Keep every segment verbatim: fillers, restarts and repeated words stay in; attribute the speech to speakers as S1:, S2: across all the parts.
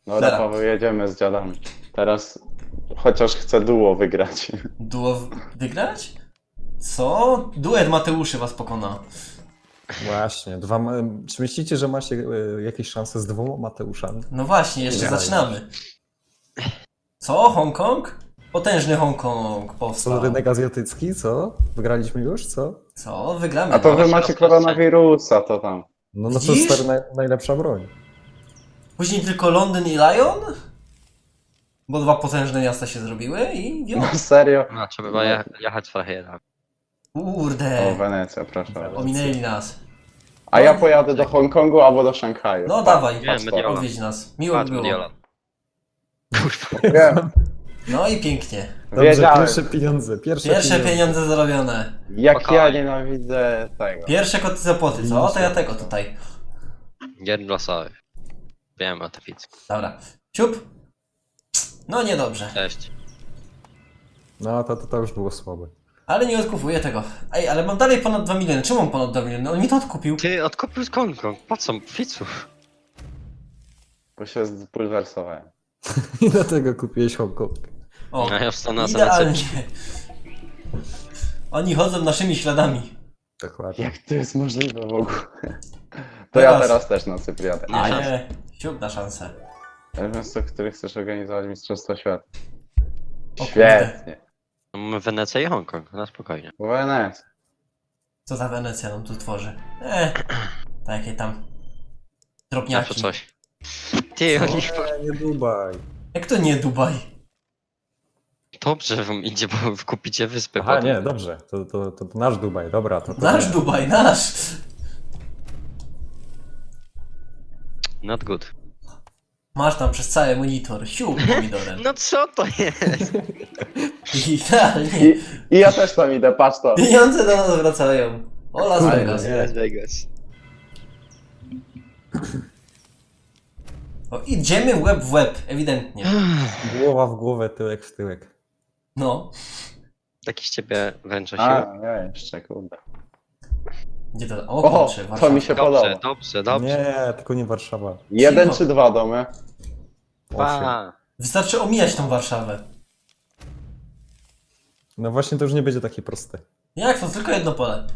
S1: No
S2: Dobra.
S1: Paweł, jedziemy z dziadami. Teraz chociaż chcę duo wygrać.
S2: Duo w- wygrać? Co? Duet Mateuszy was pokona.
S3: Właśnie, dwa, ma- czy myślicie, że macie e, jakieś szanse z dwoma Mateuszami?
S2: No właśnie, jeszcze
S3: Nie.
S2: zaczynamy. Co? Hongkong? Potężny Hongkong
S3: Co,
S2: powstał.
S3: rynek azjatycki, co? Wygraliśmy już, co?
S2: Co? Wygramy.
S1: A to
S2: no.
S1: wy macie koronawirusa, to tam.
S3: No, no to
S2: Widzisz?
S3: stary naj, najlepsza broń.
S2: Później tylko Londyn i Lyon? Bo dwa potężne miasta się zrobiły i wio.
S1: No serio?
S4: No, trzeba było je, jechać trochę jednak.
S1: O,
S2: Kurde.
S1: Wenecja, proszę.
S2: Ominęli nas.
S1: A ja pojadę do Hongkongu albo do Szanghaju.
S2: No
S1: Tak,
S2: dawaj,
S1: patrz
S4: Wiem,
S1: to.
S4: Mediolan.
S2: odwiedź nas. Miło
S4: Patrz,
S2: by było.
S4: Mediolan.
S1: Wiem.
S2: No i pięknie.
S3: Dobrze,
S1: Wiedziałem.
S3: pierwsze pieniądze, pierwsze,
S2: Pierwsze
S3: pieniądze.
S2: pieniądze zarobione.
S1: Jak
S4: Spokojnie.
S1: ja nienawidzę tego.
S2: Pierwsze koty za płoty, co? To ja tego tutaj.
S4: Jeden losowy. Wiem o tablicy.
S2: Dobra. Siup. No niedobrze.
S4: Cześć.
S3: No to, to, to już było słabe.
S2: Ale nie odkupuję tego. Ej, ale mam dalej ponad dwa miliony. Czemu mam ponad dwa miliony? On mi to odkupił.
S4: Ty odkupił z Hongkong. Po co? Ficu.
S1: Bo się zbulwersowałem.
S3: I dlatego kupiłeś Hongkong.
S2: O,
S4: No ja wstanę na
S2: idealnie. Oni chodzą naszymi śladami.
S3: Dokładnie.
S1: Jak to jest możliwe w ogóle? To ja
S2: Teraz.
S1: teraz też na Cypr jadę.
S2: A
S4: Nie.
S2: nie. Siup na szansę.
S1: Miasto, w którym chcesz organizować Mistrzostwo Świata.
S2: O kurde.
S1: Świetnie.
S4: No, mamy Wenecję i Hongkong. Na spokojnie.
S1: Wenecja.
S2: Co ta Wenecja nam tu tworzy? Eh, takie tam
S4: Zawsze
S2: drobniaki.
S4: coś. Ty,
S2: Co?
S4: oni...
S3: Nie, nie Dubaj.
S2: Jak to nie Dubaj?
S4: Dobrze wam idzie, bo kupicie wyspy
S3: Aha,
S4: potem.
S3: nie, dobrze. To, to, to, to nasz Dubaj, dobra. To, to
S2: Nasz
S3: nie.
S2: Dubaj, nasz!
S4: Not good.
S2: Masz tam przez cały monitor. Siup pomidorem.
S4: No co to jest?
S2: Idealnie.
S1: I, I ja też tam idę, patrz to.
S2: Pieniądze do nas wracają. O Las
S3: Kurde,
S2: Vegas.
S3: nie.
S4: Las Vegas.
S2: O, idziemy łeb w łeb, ewidentnie.
S3: Głowa w głowę, tyłek w tyłek.
S2: No.
S4: Taki z ciebie wręcza
S1: A,
S4: się.
S1: ja jeszcze, kurde.
S2: Gdzie to? O
S1: O,
S2: kurczę,
S1: to
S2: Warszawa.
S1: mi się
S4: Dobrze,
S1: podoba.
S4: dobrze, dobrze.
S3: Nie, tylko nie Warszawa.
S1: Jeden
S2: Cicho.
S1: czy dwa domy?
S3: Osiem.
S4: Pa.
S2: Wystarczy omijać tą Warszawę.
S3: No właśnie, to już nie będzie takie proste.
S2: Jak to? Tylko jedno pole.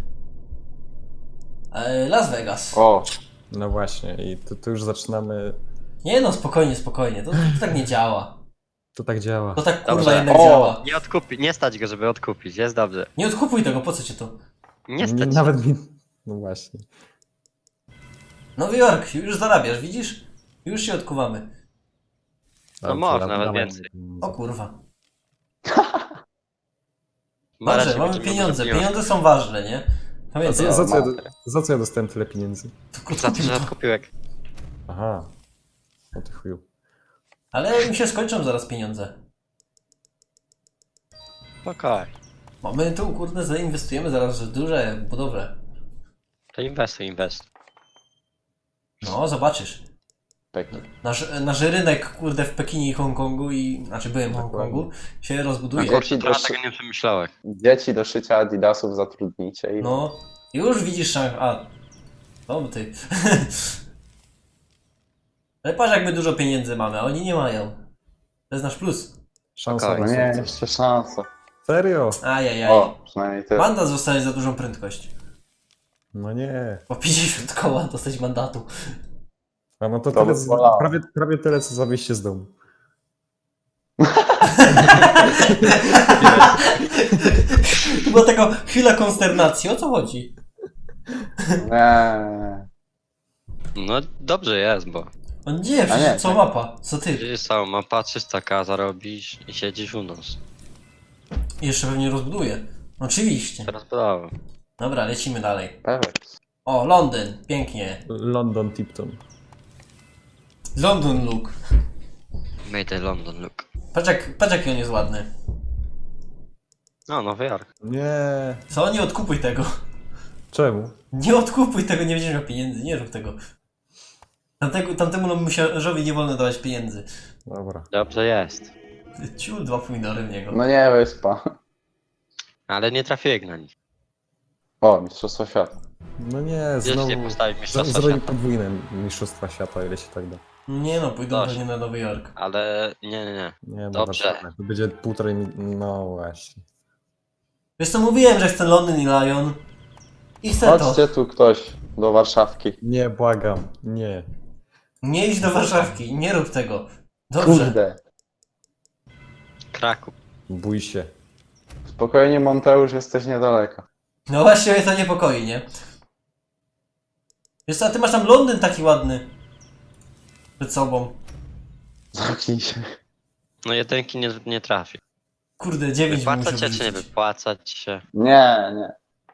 S2: E, Las Vegas.
S1: O,
S3: No właśnie, i tu, tu już zaczynamy.
S2: Nie no, spokojnie, spokojnie. To, to tak nie działa.
S3: To tak działa.
S2: To tak kurwa
S4: Dobrze.
S2: jednak
S1: O!
S2: działa.
S4: Nie odkupi, nie stać go, żeby odkupić, jest dobrze.
S2: Nie odkupuj tego, po co ci to?
S4: Nie stać.
S3: Nawet mi. No właśnie.
S2: Nowy Jork, już zarabiasz, widzisz? Już się odkuwamy.
S4: No
S3: Dobrze,
S4: można,
S3: da-
S4: nawet
S3: dawaj.
S4: więcej.
S2: O kurwa.
S4: Marek
S2: Dobrze,
S4: się
S2: mamy
S4: będzie
S2: pieniądze.
S4: miał
S2: Pieniądze są ważne, nie?
S3: A
S2: Pamiętaj,
S3: za, za, co ja, do-
S1: matę.
S3: za co ja dostałem tyle pieniędzy?
S2: tylko
S4: Za to,
S2: odkupił
S4: że
S2: to.
S4: odkupiłek.
S3: Aha. O ty chuju.
S2: Ale im się skończą zaraz pieniądze.
S4: Okej.
S2: Bo my tu kurde zainwestujemy zaraz w duże budowle.
S4: To inwestuj, inwestuj.
S2: No, zobaczysz.
S1: Pekin.
S2: Nasz, nasz rynek kurde w Pekinie i Hongkongu i... Znaczy byłem w Hongkongu, się rozbuduje.
S1: No,
S4: Kurczę,
S1: Dzieci
S4: trochę
S1: do szy-
S4: tego nie przemyślałeś.
S1: Dzieci do szycia adidasów zatrudnicie i...
S2: No, już widzisz szank... A, to ty. Ale patrz jak my dużo pieniędzy mamy, a oni nie mają. To jest nasz plus.
S3: Szansa
S4: Okej.
S1: No
S3: na
S1: nie,
S3: sukces.
S1: jeszcze szansa.
S3: Serio?
S2: Ajajaj.
S1: O, przynajmniej ty.
S2: Mandat zostaje za dużą prędkość.
S3: No nie.
S2: Po pięćdziesiąt koła dostać mandatu.
S3: A no to,
S1: To
S3: tyle,
S1: by
S3: co-
S1: bolało.
S3: prawie, prawie tyle, co za wyjście z domu.
S2: To była taka chwila konsternacji, o co chodzi?
S1: Nie.
S4: No dobrze jest, bo
S2: On nie,
S1: A
S2: przecież
S1: nie,
S2: co
S1: tak.
S2: mapa? Co ty?
S4: widzisz całą mapa, trzysta ka zarobisz i siedzisz u nas.
S2: I jeszcze pewnie rozbuduje. Oczywiście.
S4: Teraz brawo.
S2: Dobra, lecimy dalej.
S1: Pewnie.
S2: O, Londyn, pięknie.
S3: London Tipton.
S2: London look.
S4: Made a London look.
S2: Patrz, jak, patrz jaki on jest ładny.
S4: No, Nowy Jork.
S3: Nie.
S2: Co? Nie odkupuj tego.
S3: Czemu?
S2: Nie odkupuj tego, nie będziesz miał pieniędzy, nie rób tego. Tamtego, tamtemu musiarzowi nie wolno dawać pieniędzy.
S3: Dobra.
S4: Dobrze jest.
S2: Ciul, dwa pomidory w niego.
S1: No nie, wyspa.
S4: Ale nie trafiłeś na nich.
S1: O, Mistrzostwo Świata.
S3: No nie,
S4: Gdzieś
S3: znowu.
S4: nie postawił
S3: z-
S4: mistrzostwa
S3: Zrobi
S4: świata.
S3: podwójne mistrzostwa świata, ile się tak da.
S2: Nie no, pójdą
S4: Dość.
S2: pewnie na Nowy Jork.
S4: Ale nie, nie, nie.
S3: Nie, no
S4: Dobrze.
S3: Warszawa. To będzie półtorej... mi- No właśnie.
S2: Wiesz co, mówiłem, że chcę Londyn i Lyon. I chcę to.
S1: Chodźcie tu ktoś do Warszawki.
S3: Nie, błagam. Nie.
S2: Nie idź do Warszawki, nie rób tego. Dobrze.
S1: Kurde.
S4: Kraków.
S3: Bój się.
S1: Spokojnie, Monteusz, jesteś niedaleko.
S2: No właśnie mnie to niepokoi, nie? Wiesz co, a ty masz tam Londyn taki ładny. Przed sobą.
S1: Zamknij się.
S4: No jedynki nie, nie trafi.
S2: Kurde, dziewięć bym musiał
S4: Wypłacać się czy nie
S2: wyrzucić.
S4: wypłacać się?
S1: Nie, nie.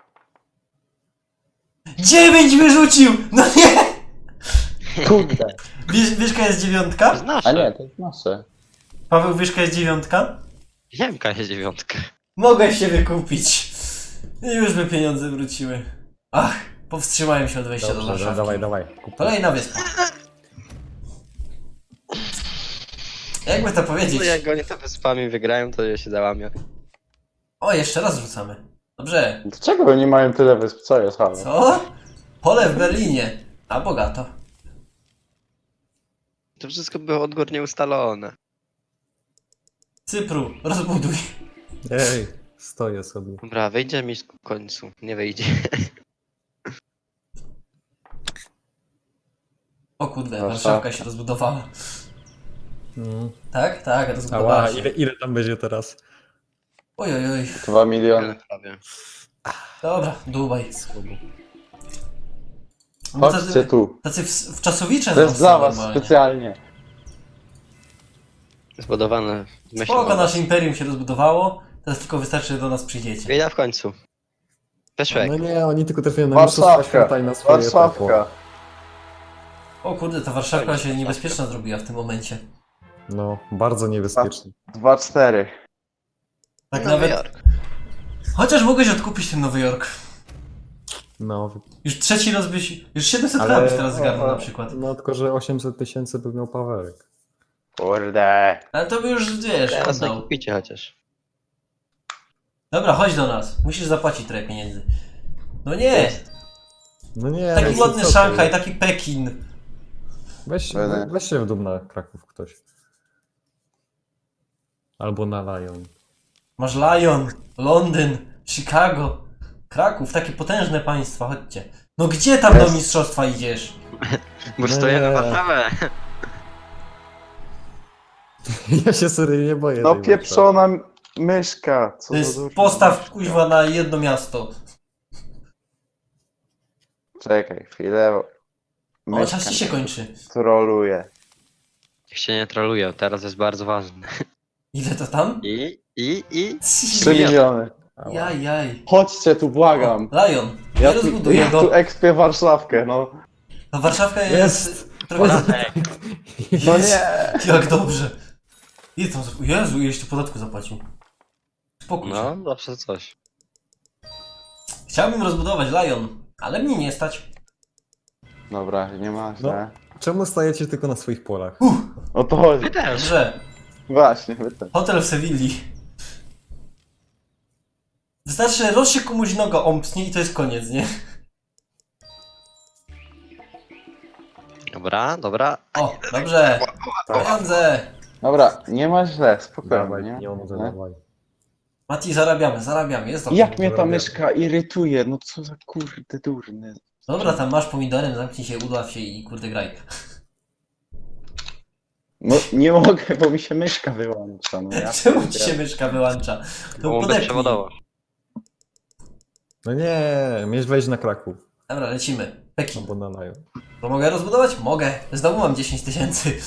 S2: dziewięć wyrzucił! No nie!
S1: Kurde.
S2: Wiesz, wiesz, jaka jest dziewiątka?
S4: To jest nasze.
S1: A nie, to jest nasze.
S2: Paweł, wiesz, jaka jest dziewiątka?
S4: Jemka jest dziewiątka.
S2: Mogę się wykupić. I już by pieniądze wróciły. Ach, powstrzymałem się od wejścia do
S3: Dobrze,
S2: Warszawy.
S3: dawaj, dawaj. Kupuj.
S2: Kolejna wyspa. Jakby to powiedzieć?
S4: No jak oni to wyspami wygrają, to ja się załamię.
S2: O, jeszcze raz rzucamy. Dobrze.
S1: Dlaczego oni mają tyle wysp? Co jest, halo?
S2: Co? Pole w Berlinie. A bogato.
S4: To wszystko było odgórnie ustalone.
S2: Cypru, rozbuduj.
S3: Ej, stoję sobie.
S4: Dobra, wyjdzie mi w końcu. Nie wyjdzie.
S2: O kurde,
S1: Warszawa.
S2: Warszawka się rozbudowała.
S3: Mm.
S2: Tak? Tak, rozbudowała
S3: Ała,
S2: się.
S3: ile, ile tam będzie teraz?
S2: Oj, oj, oj.
S1: Dwa miliony.
S4: Prawie.
S2: Dobra, Dubaj.
S3: Słabo.
S2: No
S1: Chodźcie
S2: tacy,
S1: tu.
S2: tacy w, wczasowicze
S1: To jest
S2: są
S1: dla was
S2: normalnie.
S1: specjalnie.
S4: Zbudowane. Myślę,
S2: Spoko, nasze imperium się rozbudowało. Teraz tylko wystarczy, że do nas przyjdziecie.
S4: Wyjdę w końcu. Peszek.
S3: No nie, oni tylko trafiają na mistrzostwa
S1: Warszawka.
S3: świata i na swoje tempo.
S1: Warszawka.
S2: O kurde, ta Warszawka się niebezpieczna zrobiła w tym momencie.
S3: No, bardzo niebezpiecznie.
S1: Dwa, cztery.
S2: Tak
S4: Nowy
S2: nawet...
S4: Jork.
S2: Chociaż mogłeś odkupić ten Nowy Jork.
S3: No,
S2: Już trzeci raz byś... Już siedemset
S3: ale...
S2: lat byś teraz zgarnął na przykład.
S3: No, tylko że osiemset tysięcy by miał Pawełek.
S1: Kurde.
S2: Ale to by już, wiesz,
S4: Teraz nie
S2: oddał.
S4: kupicie chociaż.
S2: Dobra, chodź do nas. Musisz zapłacić trochę pieniędzy. No nie!
S3: No nie,
S2: Taki
S3: ale
S2: ładny
S3: co ty?
S2: Szanghaj, taki Pekin.
S3: Weź,
S1: Będę.
S3: weź się w dół na Kraków ktoś. Albo na Lyon.
S2: Masz Lyon, Londyn, Chicago, Kraków, takie potężne państwa, chodźcie. No gdzie tam do
S1: Jest.
S2: mistrzostwa idziesz?
S4: Bo
S3: Nie.
S4: stoję na Warszawę.
S3: Ja się serio nie boję.
S1: No
S3: tej
S1: pieprzona myszka. Co
S2: To
S1: za
S2: jest
S1: durna
S2: postaw
S1: myszka.
S2: kuźwa na jedno miasto.
S1: Czekaj chwilę.
S2: O, czas ci się kończy.
S1: Troluje.
S4: Niech się nie trolują, teraz jest bardzo ważne.
S2: Ile to tam?
S4: I, i, i...
S1: Trzy miliony.
S3: Ała.
S2: Jaj, jaj.
S1: Chodźcie tu, błagam.
S2: O, Lion, nie
S1: Ja tu,
S2: rozbuduję
S1: ja tu
S2: go.
S1: ekspię Warszawkę, no.
S2: No Warszawka jest...
S3: Jest.
S2: Trochę...
S1: No nie.
S2: Jak dobrze. Ile tam... Jezu, ileś tu podatku zapłacił. Spokój się.
S4: No, zawsze coś.
S2: Chciałbym rozbudować Lion, ale mnie nie stać.
S1: Dobra, nie ma
S3: No.
S1: źle.
S3: Czemu stajecie tylko na swoich polach?
S1: O to chodzi.
S4: Wy też.
S2: Dobrze.
S1: Właśnie, wy też.
S2: Hotel w Sewilli. Wystarczy, że roz się komuś noga omknie i to jest koniec, nie?
S4: Dobra, dobra.
S2: O, dobrze. Pieniądze.
S1: Dobra, nie ma źle, spokojnie.
S3: Dawaj,
S1: nie?
S3: pieniądze,
S1: Nie?
S3: dawaj.
S2: Mati, zarabiamy, zarabiamy, jest dobrze.
S1: Jak mnie ta
S3: Zrobię.
S1: myszka irytuje, no co za kurde durny.
S2: Dobra, tam masz pomidorem, zamknij się, udław się i kurde graj.
S1: No nie mogę, bo mi się myszka wyłącza. No, ja
S2: Czemu ci
S1: pierdzielę.
S2: się myszka wyłącza? To
S4: Byłoby
S2: podepnij.
S4: przewodowo.
S3: No nie, mieć wejść na Kraków.
S2: Dobra, lecimy. Pekin.
S3: Albo na Lyon.
S2: To mogę rozbudować? Mogę. Znowu mam dziesięć tysięcy.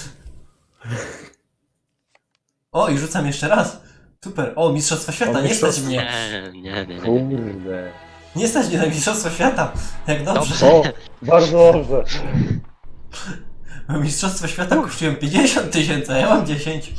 S2: O, i rzucam jeszcze raz. Super. O, Mistrzostwa Świata,
S3: O,
S2: nie stać
S3: mistrzostwa.
S2: mnie.
S4: Nie, nie, nie, nie.
S1: Kurde.
S2: Nie stać mnie na Mistrzostwa Świata. Jak dobrze.
S1: O, bardzo dobrze.
S2: Mistrzostwa Świata kosztują pięćdziesiąt tysięcy, a ja mam dziesięć.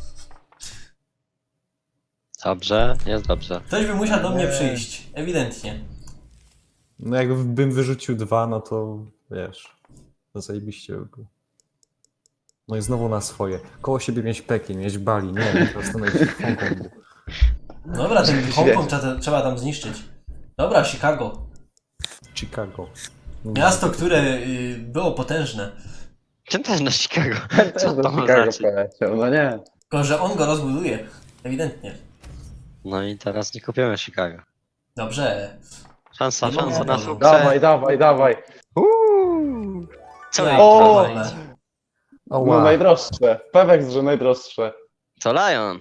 S4: Dobrze, jest dobrze.
S2: Ktoś by musiał do mnie
S3: Nie.
S2: przyjść. Ewidentnie.
S3: No jakbym wyrzucił dwa, no to wiesz, to zajebiście by było. No i znowu na swoje. Koło siebie mieć Pekin, mieć Bali, nie wiem, po prostu mieć w Hongkongu.
S2: Dobra, ten Hongkong trzeba, trzeba tam zniszczyć. Dobra, Chicago.
S3: Chicago.
S2: Miasto, które y, było potężne.
S4: Ten też na Chicago.
S1: Ten też
S4: Co
S1: do
S4: to ma
S1: Chicago
S4: znaczyć?
S1: poleciał, no nie.
S2: Tylko, że on go rozbuduje. Ewidentnie.
S4: No i teraz nie kupimy Chicago.
S2: Dobrze.
S4: Szansa,
S2: Nie
S4: szansa
S2: mogę
S4: na
S2: panu.
S4: sukces.
S1: Dawaj, dawaj, dawaj.
S4: Uuu. Co
S2: Ja
S4: ja
S1: O!
S2: pierdolę.
S3: O,
S1: No
S3: wow.
S1: najdroższe. Pewek, że najdroższe.
S4: Co Lion?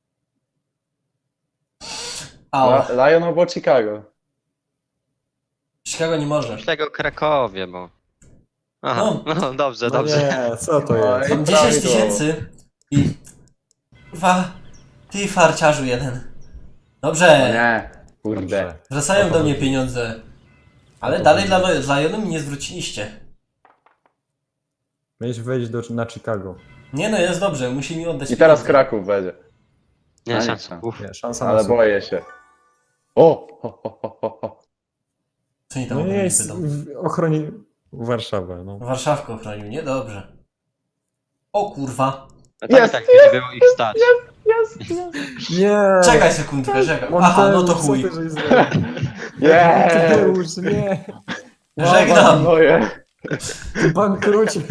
S2: Au.
S1: La- Lion albo Chicago.
S2: Chicago nie może.
S4: Myślę o Krakowie, bo... Aha,
S2: No.
S4: no, dobrze,
S3: No
S4: dobrze.
S3: nie, co to
S1: No
S3: jest?
S1: i
S2: Mam dziesięć
S1: prawidłowo.
S2: tysięcy i... Kurwa, ty farciarzu jeden.
S1: No
S2: Dobrze,
S1: nie. Kurde.
S3: Dobrze.
S2: wracają
S3: O to
S2: do mnie
S3: chodzi.
S2: pieniądze. Ale
S3: O to
S2: dalej dla,
S3: chodzi.
S2: dla Jonu mi nie zwróciliście.
S3: Miałeś wejść do, na Chicago.
S2: Nie no, jest dobrze, musi mi oddać
S1: I teraz
S2: pieniądze.
S1: Kraków będzie. A
S4: Nie,
S1: nie,
S4: szansa.
S1: tak.
S4: Uff.
S3: Nie, szansa na
S1: Ale
S3: sukces.
S1: boję się. O! Ho, ho, ho, ho, ho.
S2: Co oni tam
S3: No
S2: ode
S3: nie,
S2: mnie
S3: jest
S2: pytą?
S3: w ochroni Warszawę, no.
S2: Warszawkę ochronił, niedobrze. O kurwa.
S4: A tak i
S1: Jest,
S4: tak nie było ich stać.
S1: Jest, jest.
S3: Nie!
S2: Czekaj sekundkę, czekaj. Aha, no to
S3: Monteusz,
S2: chuj.
S3: co ty żeś zrobił?
S1: Jest!
S3: Monteusz, nie!
S2: Żegnam.
S1: Moje.
S3: Ty bankrucie!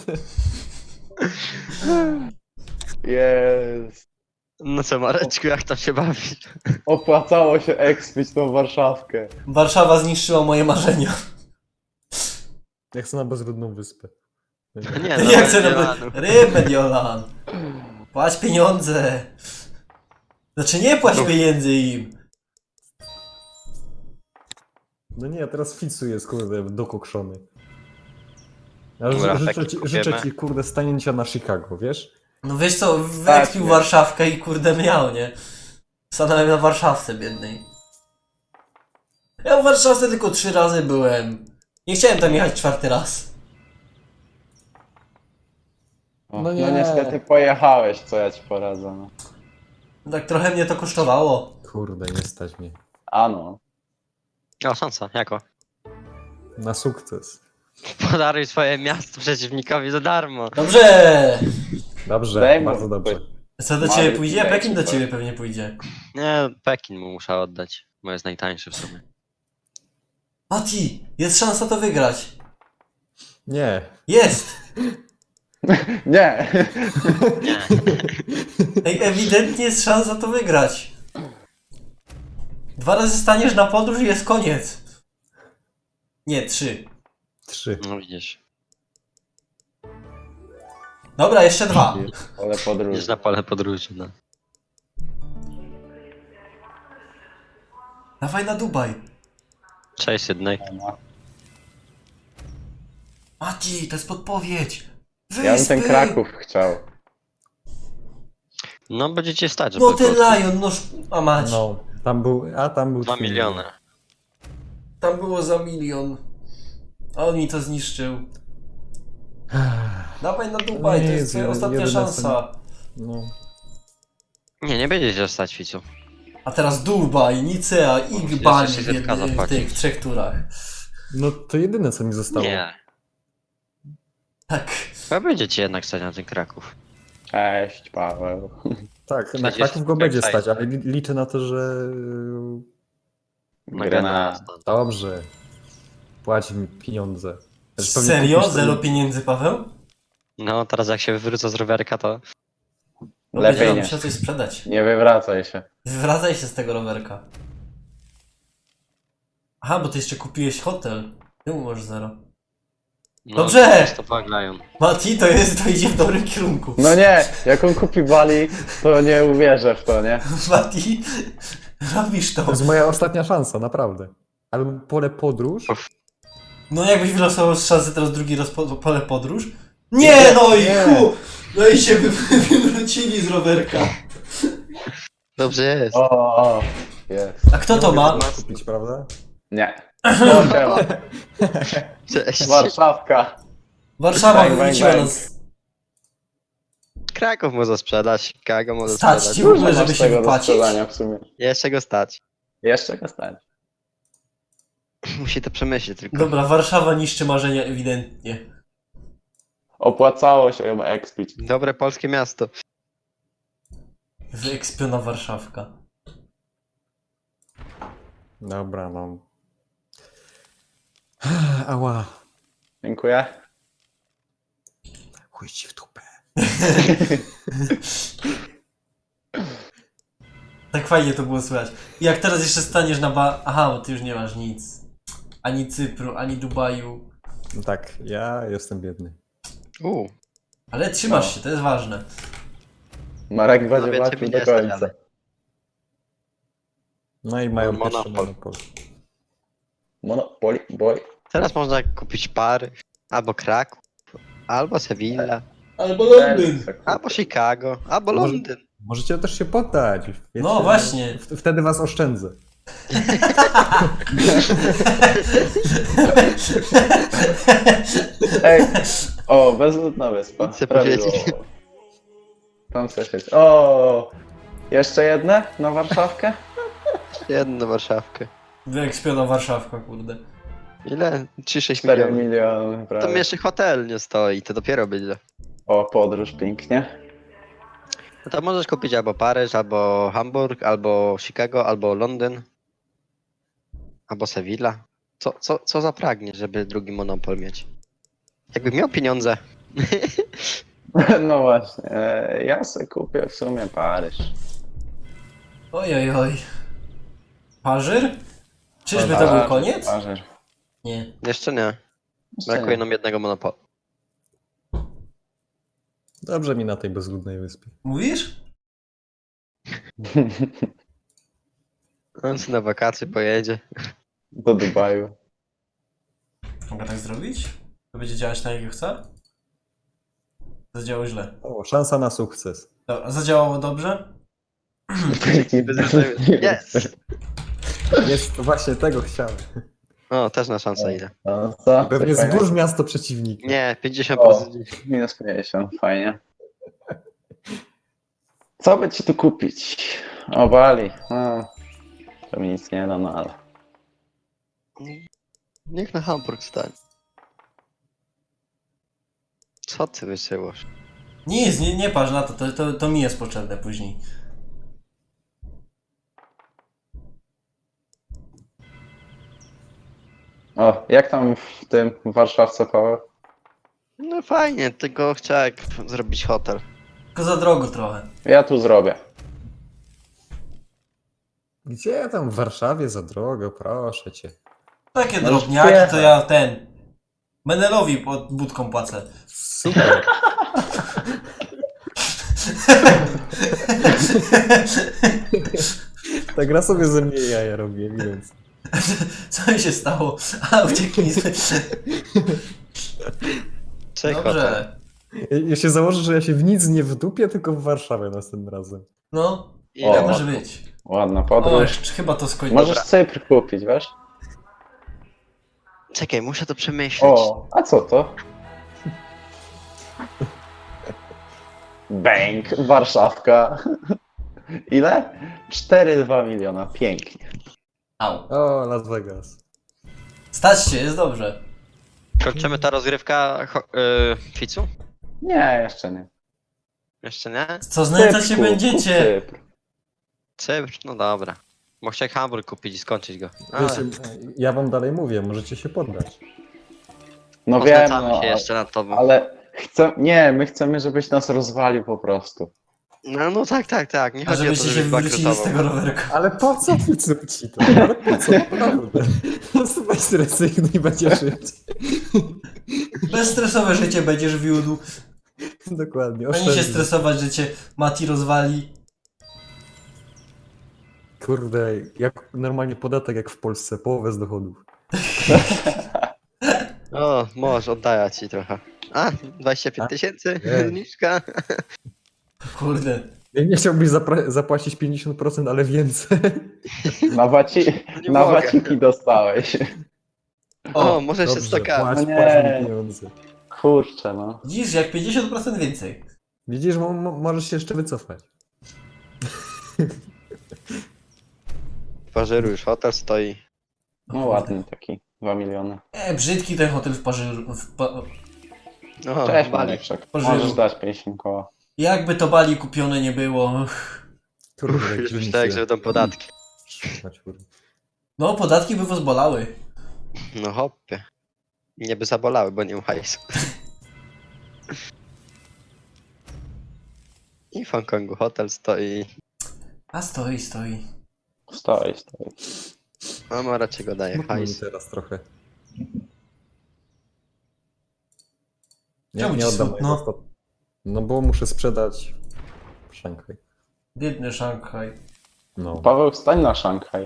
S1: Jest.
S4: No co Mareczku, jak tam się bawisz?
S1: Opłacało się ekspić tą Warszawkę.
S2: Warszawa zniszczyła moje marzenia.
S3: Ja chcę na bezludną wyspę.
S4: Nie, no,
S2: Ja chcę
S4: Mediolanu.
S2: na ryb Mediolan. Płać pieniądze. Znaczy nie płać
S4: No.
S2: pieniędzy im.
S3: No nie, teraz Ficu jest, kurde, dokokszony. Ja
S4: Dobra,
S3: życzę,
S4: taki
S3: ci,
S4: kupiemy.
S3: życzę ci, kurde, stanięcia na Chicago, wiesz?
S2: No wiesz co,
S1: Tak,
S2: wyekspił
S1: nie.
S2: Warszawkę i kurde miał, nie? Stanąłem na Warszawce biednej. Ja w Warszawce tylko trzy razy byłem. Nie chciałem tam jechać czwarty raz.
S1: O,
S3: No
S1: no,
S3: nie.
S1: niestety pojechałeś, co ja ci poradzę. No.
S2: Tak trochę mnie to kosztowało.
S3: Kurde, nie stać mnie.
S1: A no.
S4: O, szansa, jako?
S3: Na sukces.
S4: Podaruj swoje miasto przeciwnikowi za darmo.
S2: Dobrze!
S3: Dobrze,
S1: Daj mu
S3: bardzo dobrze.
S2: Co do
S1: Mały
S2: ciebie pójdzie?
S1: daj
S2: Pekin do
S1: ci
S2: ciebie pewnie pójdzie.
S4: Nie, Pekin mu muszę oddać, bo jest najtańszy w sumie.
S2: Mati, jest szansa to wygrać.
S3: Nie.
S2: Jest!
S1: Nie.
S4: Nie.
S2: Ej, ewidentnie jest szansa to wygrać. Dwa razy staniesz na podróż i jest koniec. Nie, trzy.
S3: Trzy.
S4: No widzisz.
S2: Dobra, jeszcze dwa.
S1: Ale podróż.
S4: Idziesz na pole podróży, no.
S2: Dawaj na Dubaj.
S4: Cześć Sydney.
S2: Mati, to jest podpowiedź.
S1: Ja bym ten
S2: Wyspy.
S1: Kraków chciał.
S4: No będziecie stać, żeby
S2: No ten
S4: kupić.
S2: Lion, no sz- a mać.
S3: No, tam był, a tam był...
S4: Dwa
S3: twój.
S4: miliony.
S2: Tam było za milion. A on mi to zniszczył. Dawaj na Dubaj, to
S3: Nie,
S2: jest
S3: jest
S2: twoja
S3: jeden-
S2: ostatnia
S3: jedyne, co-
S2: szansa.
S3: No.
S4: Nie, nie będziecie stać, Ficu.
S2: A teraz Dubaj, Nicea i Bali w,
S4: jeszcze setka
S2: jednym- w
S4: zapłacić.
S2: tych trzech turach.
S3: no to jedyne, co mi zostało.
S4: Nie.
S2: Tak.
S4: Chyba będziecie jednak stać na ten Kraków.
S1: Cześć, Paweł.
S3: Tak, na
S4: Przecież
S3: Kraków go
S4: tak
S3: będzie
S4: fajnie.
S3: stać, ale li- liczę na to, że...
S4: Na
S1: Grenada.
S3: Dobrze. Płać mi pieniądze. Też pewnie
S2: Serio?
S3: kupisz sobie-
S2: Zero pieniędzy, Paweł?
S4: No, teraz jak się wywrócę z rowerka, to...
S2: No
S1: Lepiej
S2: będzie
S1: nie.
S2: musiał coś sprzedać.
S1: Nie wywracaj się.
S2: Wywracaj się z tego rowerka. Aha, bo ty jeszcze kupiłeś hotel. Ty mu masz zero.
S4: No,
S2: Dobrze!
S4: To flag Lion.
S2: Mati, to jest, to idzie w dobrym kierunku.
S1: No nie, jak on kupi Bali, to nie uwierzę w to, nie?
S2: Mati, robisz to.
S3: To jest moja ostatnia szansa, naprawdę. Albo pole podróż.
S2: No jakbyś wylosował z szansy teraz drugi raz po, pole podróż? Nie, no i
S3: Nie.
S2: chu! No i się wy, wywrócili z rowerka.
S4: Dobrze jest.
S1: O, o, jest.
S2: A kto
S3: Nie
S2: to
S3: mogę
S2: ma?
S3: tego kupić, prawda?
S1: Nie. No, siema.
S4: Cześć.
S1: Warszawka.
S2: Warszawa
S1: Bang, bang,
S2: wywróciła
S1: bang.
S2: nas.
S4: Kraków może sprzedać, Chicago może
S2: Stać
S4: sprzedać.
S2: ci w ogóle,
S1: Dużo
S2: żeby
S1: masz
S2: się
S1: tego do
S2: wypłacić?
S1: sprzedania w sumie.
S4: Jeszcze go stać.
S1: Jeszcze go stać.
S4: Musi to przemyśleć tylko.
S2: Dobra, Warszawa niszczy marzenia ewidentnie.
S1: Opłacało się ją ekspić.
S4: Dobre polskie miasto.
S2: Wyekspiona Warszawka.
S3: Dobra, no. Ała.
S1: Dziękuję.
S3: Chuj ci w dupę.
S2: Tak fajnie to było słychać. I jak teraz jeszcze staniesz na ba... Aha, bo ty już nie masz nic. Ani Cypru, ani Dubaju.
S3: No tak, ja jestem biedny.
S4: Uuu,
S2: Ale trzymasz
S1: No.
S2: się, to jest ważne.
S1: Marek
S4: No
S1: będzie
S4: więcej
S1: walczył
S4: mi
S1: do
S4: nie stać,
S1: końca.
S4: ale-
S3: No i mają
S4: Monopol.
S3: pierwszy monopol.
S1: Monopoly, boy.
S4: teraz można kupić Pary, albo Kraków, albo Sevilla,
S2: Albo Londyn.
S4: albo Chicago, albo
S3: Może-
S4: Londyn.
S3: Możecie też się poddać. Wiecie,
S2: No właśnie.
S3: w- Wtedy was oszczędzę.
S1: Ej, o, bezludna wyspa.
S4: Chcę
S1: Prawidłowo.
S4: powiedzieć.
S1: Tam coś jest. O, jeszcze jedne na Warszawkę?
S4: Jedną Warszawkę.
S2: Wyekspiona Warszawka, kurde.
S4: Ile? trzy sześć
S1: cztery
S4: milionów.
S1: miliony,
S4: To
S1: prawie.
S4: mi jeszcze hotel nie stoi, to dopiero będzie.
S1: O, podróż pięknie.
S4: No to możesz kupić albo Paryż, albo Hamburg, albo Chicago, albo Londyn, albo Sevilla. Co, co, co zapragniesz, żeby drugi monopol mieć? Jakbym miał pieniądze.
S1: No właśnie, e, ja sobie kupię w sumie Paryż.
S2: Oj, oj, oj. Pażyr? Czyżby to był
S1: Paryż,
S2: koniec?
S1: Paryż.
S2: Nie.
S4: Jeszcze nie.
S1: Jeszcze
S4: Brakuje
S1: nie.
S4: nam jednego monopolu.
S3: Dobrze mi na tej bezludnej wyspie.
S2: Mówisz?
S4: On sobie na wakacje pojedzie.
S1: Do Dubaju.
S2: Mogę tak zrobić? To będzie działać tak, jak chcę? Zadziałało źle.
S3: O, szansa na sukces.
S2: Dobra, zadziałało dobrze?
S4: Yes!
S3: Jest, właśnie tego chciałem.
S4: O, też na szansę idę.
S1: No, co?
S3: Pewnie
S1: Coś
S3: zburz miasto przeciwnika.
S4: Nie, pięćdziesiąt
S1: O,
S4: procent.
S1: minus pięćdziesiąt, fajnie. Co by ci tu kupić? O, Bali. No, to mi nic nie da, no ale.
S4: Niech na Hamburg stanie. Co ty wysyłasz?
S2: Nic, nie, nie patrz na to, to, to, to mi jest potrzebne później.
S1: O, jak tam w tym w Warszawce, Paweł?
S4: No fajnie, tylko chciałem zrobić hotel.
S2: Tylko za drogo trochę.
S1: Ja tu zrobię.
S3: Gdzie tam w Warszawie za drogo, proszę cię.
S2: Takie
S1: No
S2: drobniaki to
S1: śpiewa.
S2: ja ten... Menelowi pod budką płacę.
S3: Super. Ta gra sobie ze mnie jaja robi, ewidentnie.
S2: Co mi się stało? A, uciekli.
S4: Cześć hotel.
S2: Dobrze.
S3: Ja, ja się założę, że ja się w nic nie wdupię, tylko w Warszawie następnym razem.
S2: No,
S4: Ile
S1: O,
S2: tak
S4: ma-
S2: może być.
S1: Ładna
S2: O,
S1: podróż.
S2: jeszcze chyba to skończy.
S1: Możesz Cypr kupić, wiesz?
S4: Czekaj, muszę to przemyśleć.
S1: O, a co to? Bank, Warszawka. Ile? cztery przecinek dwa miliona, pięknie.
S2: Au.
S3: O, Las Vegas.
S2: Stać się, jest dobrze.
S4: Kończymy ta rozgrywka ho- yy, Ficu?
S1: Nie, jeszcze nie.
S4: Jeszcze nie?
S2: Co znęcać się
S1: Cypr,
S2: będziecie?
S1: kup Cypr.
S4: Cypr? No dobra. Bo chciałem Hamburg kupić i skończyć go. Ale
S3: Wiecie, ja wam dalej mówię, możecie się poddać.
S1: No wiem,
S4: poznęcamy
S1: no,
S4: się jeszcze nad tobą.
S1: ale chcę, nie, my chcemy, żebyś nas rozwalił po prostu.
S4: No, no tak, tak, tak. Nie
S2: A
S4: chodzi o to,
S2: żebyście się
S4: żebyś
S2: wywrócili z
S4: bankrutował.
S2: tego rowerka.
S3: Ale po co Ficu ci to? Ale po co? Naprawdę. Weź rezygnij i będzie żyć.
S2: Bezstresowe życie będziesz wiódł.
S3: Dokładnie,
S2: Ani się
S3: oszczędnie.
S2: stresować, że cię Mati rozwali.
S3: Kurde, jak normalnie podatek jak w Polsce, połowę z dochodów.
S4: O, możesz, oddaję ci trochę. A, dwadzieścia pięć tysięcy?
S3: Nie.
S4: Zniżka?
S2: Kurde.
S3: Ja nie chciałbyś zapra- zapłacić pięćdziesiąt procent, ale więcej.
S1: Na, waci,
S4: No nie
S1: na
S4: mogę.
S1: waciki dostałeś.
S4: O,
S2: O,
S4: może jeszcze
S3: Dobrze,
S4: sto ka.
S3: płać,
S1: No
S3: płać
S1: nie.
S3: mi pieniądze.
S1: Kurczę, no.
S2: widzisz, jak pięćdziesiąt procent więcej.
S3: Widzisz, mo- mo- możesz się jeszcze wycofać.
S4: W Paryżu już hotel stoi.
S1: No ładny taki, dwa miliony.
S2: E, brzydki ten hotel w Paryżu. W pa...
S4: O,
S1: Cześć,
S4: Bali.
S1: Mareczek.
S2: Pożył.
S1: Możesz dać pięćdziesiąt koła.
S2: Jakby to Bali kupione nie było.
S3: Kurde,
S4: Już
S3: gdzie mi
S4: myślałem,
S3: się-
S4: że będą podatki.
S3: Trzymać, kurde.
S2: No, podatki by was bolały.
S4: No hopie. Nie by zabolały, bo nie mam hajsu. I w Hongkongu hotel stoi.
S2: A stoi, stoi.
S1: Stoi, stoi.
S4: Mama raczej go daje
S3: Smutno mi
S4: hajs.
S3: teraz trochę. Nie,
S2: Czemu
S3: nie
S2: ci
S3: oddam
S2: smutno?
S3: mojego stat- No bo muszę sprzedać Szanghaj.
S2: Biedny Szanghaj.
S3: No.
S1: Paweł, stań na Szanghaj.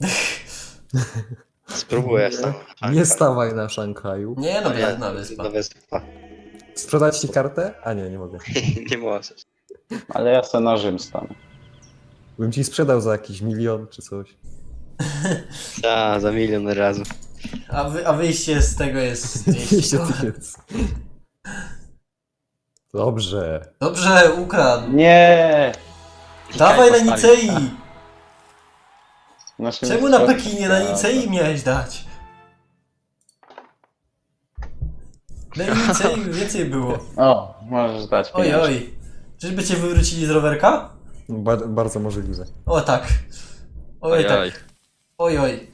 S4: Spróbuję
S3: Nie,
S4: sam.
S3: nie stawaj na Szanghaju.
S2: Nie no,
S4: Nie,
S2: biedna wyspa.
S4: do wyspa.
S3: Sprzedać ci kartę? A nie, nie mogę.
S4: Nie możesz.
S1: Ale ja se na Rzym stanę.
S3: Bym ci sprzedał za jakiś milion czy coś.
S4: A, za milion razy.
S2: A, wy, a wyjście z tego jest dwieście
S3: dwieście
S2: koła.
S3: tysięcy. Dobrze.
S2: Dobrze, ukradł.
S1: Nie!
S2: Dawaj na
S4: Postawił.
S2: Nicei!
S1: Naszym
S2: Czemu na
S1: mistrzostwem
S2: Pekinie, na
S1: świata.
S2: Nicei miałeś dać? Na Nicei więcej było.
S1: O, możesz dać
S2: Oj,
S1: pieniądze.
S2: oj. Czyżby cię wywrócili z rowerka?
S3: Ba- bardzo możliwe.
S2: O tak. Oj,
S4: Ojoj.
S2: tak. Oj, oj.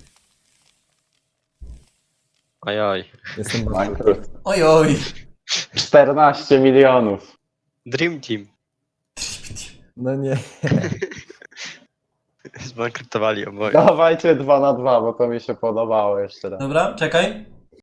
S4: Ojoj.
S3: Jestem bardzo...
S1: Bankrut.
S2: Oj, oj.
S1: czternaście milionów.
S4: Dream Team.
S3: No nie.
S4: Zbankrutowali oboje.
S1: Dawajcie dwa na dwa, bo to mi się podobało jeszcze raz.
S2: Dobra, czekaj.